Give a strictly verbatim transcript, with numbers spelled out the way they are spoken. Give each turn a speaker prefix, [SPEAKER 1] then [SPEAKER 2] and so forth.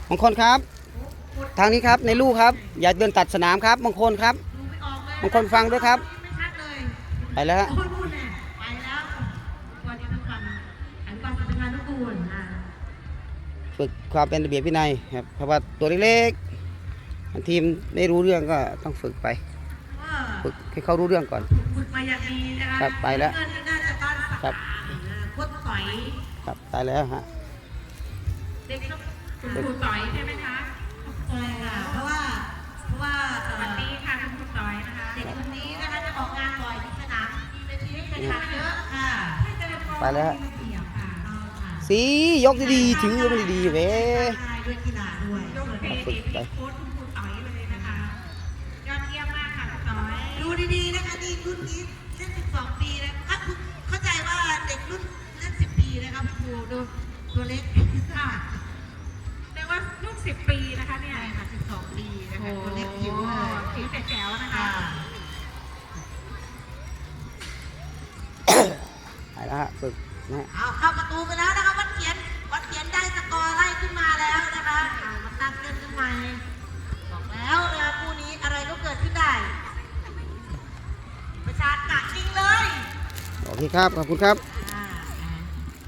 [SPEAKER 1] มงคลครับทางนี้ครับในลูกครับอย่าเดินตัดสนามครับมงคลครับมงคลฟังด้วยครับไปแล้ว
[SPEAKER 2] ไปแล้ววันนี้ต้องฟังอนุบาลสำนักงานทุกคนนะ
[SPEAKER 1] ฝึกความเป็นระเบียบวินัยครับเพราะว่าตัวเล็กๆทีมได้รู้เรื่องก็ต้องฝึกไปฝึกให้เขารู้เรื่องก่อน
[SPEAKER 2] ฝึกมาอย่างดีนะคะ
[SPEAKER 1] ครับไปแล้วครับ
[SPEAKER 2] พดต่อย
[SPEAKER 1] ครับตายแล้วฮะ
[SPEAKER 2] เด็กต้องคุณครูต่อยใช่ไหมคะใช่ค่ะเพราะว่าเพราะว่าวันนี้ค่ะคุณครูต่อยนะคะเด็กคนนี้นะคะจะออกงานบ่อยที่สนามเวทีให้แข่งขันเยอะค่ะ
[SPEAKER 1] ไปแล้วสียกดีๆถือมันดีๆเว้ย
[SPEAKER 2] ด้วยกีฬาด้วย
[SPEAKER 1] ฝึกไป
[SPEAKER 2] โค้ชคุณครูต่อยเลยนะคะยอดเยี่ยมมากค่ะคุณต่อยดูดีๆนะคะนี่รุ่นนี้เล่นสิบสองปีนะถ้าคุณเข้าใจว่าเด็กรุ่นเล่นสิบปีนะครับคุณครูดูตัวเล็กค่ะเรียกว่าลูกสิบปีนะคะเนี่ยค่ะสิบสองปีนะคะตัวเล็กจิ๋วเลยจิ๋วแต่แจ๋วนะคะ
[SPEAKER 1] ไปแล้วฮะฝึกนะ
[SPEAKER 2] เอาเข้าประตูไปแล้วนะคะวัดเขียนวัดเขียนได้สกอร์ไล่ขึ้นมาแล้วนะคะเอามาตั้งเล่นขึ้นมาบอกแล้วนะคู่นี้อะไรก็เกิดขึ้นได้ประชาชนหนักจริงเลย
[SPEAKER 1] โอเคครับขอบคุณครับ